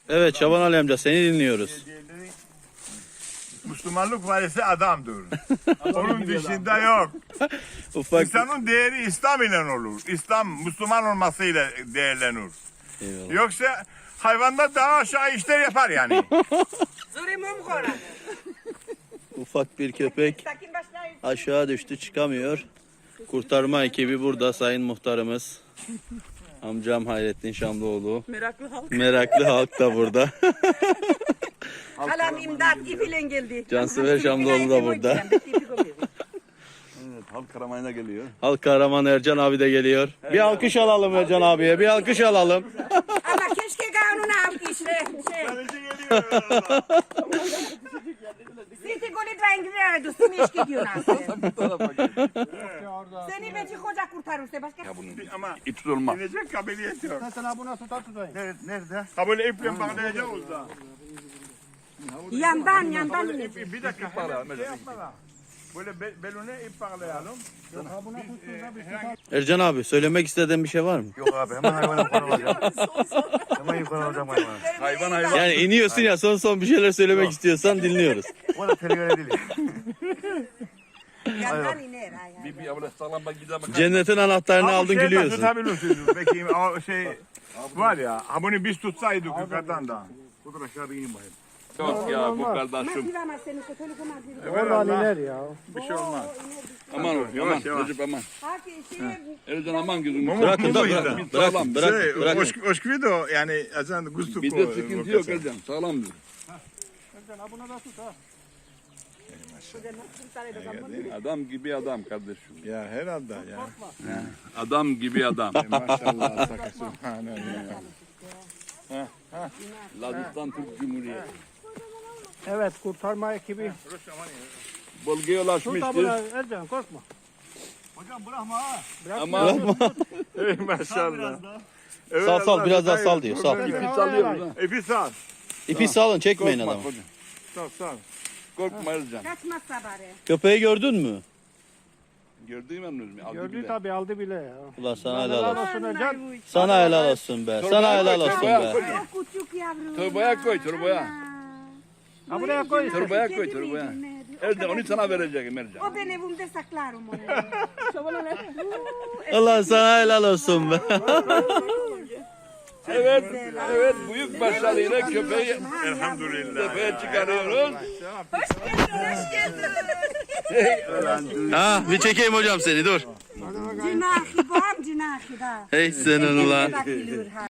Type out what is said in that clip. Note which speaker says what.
Speaker 1: Evet Şaban Ali amca seni dinliyoruz.
Speaker 2: Müslümanlık varisi adamdır. Onun dışında yok.
Speaker 1: Ufak.
Speaker 2: İnsanın değeri İslam ile olur. İslam Müslüman olmasıyla değerlenir.
Speaker 1: Eyvallah.
Speaker 2: Yoksa hayvanda daha aşağı işler yapar yani.
Speaker 1: Ufak bir köpek aşağı düştü, çıkamıyor. Kurtarma ekibi burada, sayın muhtarımız. Amcam Hayrettin Şamlıoğlu.
Speaker 3: Meraklı halk.
Speaker 1: Meraklı halk da burada.
Speaker 3: Halam imdat ipiyle geldi.
Speaker 1: Cansever Şamlıoğlu da burada.
Speaker 4: Evet, halk aramayına geliyor.
Speaker 1: Halk kahraman Ercan abi de geliyor. Bir alkış alalım Ercan abiye, bir alkış alalım.
Speaker 3: Ama keşke kanunu aldı işte. Siti golü dengeliyordu. Seni iş gidiyorsun Seni beci koca kurtarırsa başka.
Speaker 2: Ama
Speaker 4: İp tutulmaz.
Speaker 2: gelecek kabiliyet yok.
Speaker 5: Mesela buna tutar tutayım.
Speaker 2: Nerede? Ha böyle iple bağlayacağız da.
Speaker 3: Yandan
Speaker 2: Bir dakika. Şey yapmadan. Böyle belune ip bağlayalım.
Speaker 1: Ercan abi söylemek istediğin bir şey var mı?
Speaker 4: Yok abi, hemen hayvanı yukarı alacağım. Hemen yukarı alacağım hayvanı.
Speaker 2: Hayvan.
Speaker 1: Yani iniyorsun ya, son bir şeyler söylemek istiyorsan dinliyoruz.
Speaker 4: O da tehlikeli değil.
Speaker 3: Yandan iner.
Speaker 4: Bir böyle sağlam bak gidelim.
Speaker 1: Cennetin anahtarını aldın,
Speaker 2: Şey
Speaker 1: gülüyorsun.
Speaker 2: tutabilirsiniz. Peki o şey var ya. Ha bunu biz tutsaydık yukarıdan da.
Speaker 4: Dur aşağı bir ineyim bakayım.
Speaker 6: Yok ya bu kardeşim.
Speaker 3: Masivama seni telefon aldı.
Speaker 2: Oradan
Speaker 5: iner ya.
Speaker 2: Bir şey olmaz.
Speaker 6: Aman ol,
Speaker 2: Yavaş,
Speaker 6: aman.
Speaker 2: yavaş.
Speaker 6: Recep aman.
Speaker 3: Haki şey
Speaker 6: Ercan aman gözünü.
Speaker 1: Bırakın da
Speaker 2: Mumu
Speaker 1: bırakın.
Speaker 2: yüzden.
Speaker 1: Bırakın, bırakın.
Speaker 2: Şey,
Speaker 1: bırakın.
Speaker 2: oşkvido yani azan gustu
Speaker 6: Bizde sıkıntı yok Ercan. Sağlamdır.
Speaker 5: Buna da tut ha.
Speaker 6: Adam gibi adam kardeşim.
Speaker 2: Ya herhalde ya.
Speaker 6: Adam gibi adam.
Speaker 2: Maşallah sakası.
Speaker 6: Lazistan Türk Cumhuriyeti.
Speaker 5: Evet, kurtarma ekibi.
Speaker 6: Bölgeye
Speaker 5: Tut da
Speaker 6: ulaşmıştır.
Speaker 5: buna Ercan, korkma.
Speaker 6: Ama
Speaker 2: Maşallah.
Speaker 1: Sal sal, biraz daha sal diyor. Sal.
Speaker 6: ipi salıyoruz ha.
Speaker 2: İpi sal.
Speaker 1: İpi salın, çekmeyin
Speaker 6: Korkma
Speaker 1: adamı.
Speaker 6: hocam.
Speaker 2: Sal.
Speaker 6: Korkma Ercan.
Speaker 3: kaçmazsa bari.
Speaker 1: Köpeği gördün mü?
Speaker 6: Gördüğüm emriniz mi? Aldı
Speaker 5: Gördü
Speaker 6: bile.
Speaker 5: tabii, aldı bile ya.
Speaker 1: Ulan sana helal
Speaker 5: Helal
Speaker 1: olsun.
Speaker 5: olsun Ercan.
Speaker 1: Sana helal olsun be. Sana helal olsun be.
Speaker 3: O küçük yavrum.
Speaker 6: Torbaya koy, torbaya.
Speaker 5: Ha buraya koy.
Speaker 6: Torbaya koy, torbaya. Ercan onu sana vereceğim Ercan.
Speaker 3: O ben evimde saklarım onu.
Speaker 1: Allah sana helal olsun be.
Speaker 6: Evet, evet büyük başarıyla köpeği
Speaker 2: Elhamdülillah.
Speaker 6: tepeye çıkarıyoruz.
Speaker 3: Hoş geldin.
Speaker 1: Ha, bir çekeyim hocam seni, dur.
Speaker 3: Cinahi bam cinahi da.
Speaker 1: Hey senin ulan.
Speaker 3: Bakılır ha.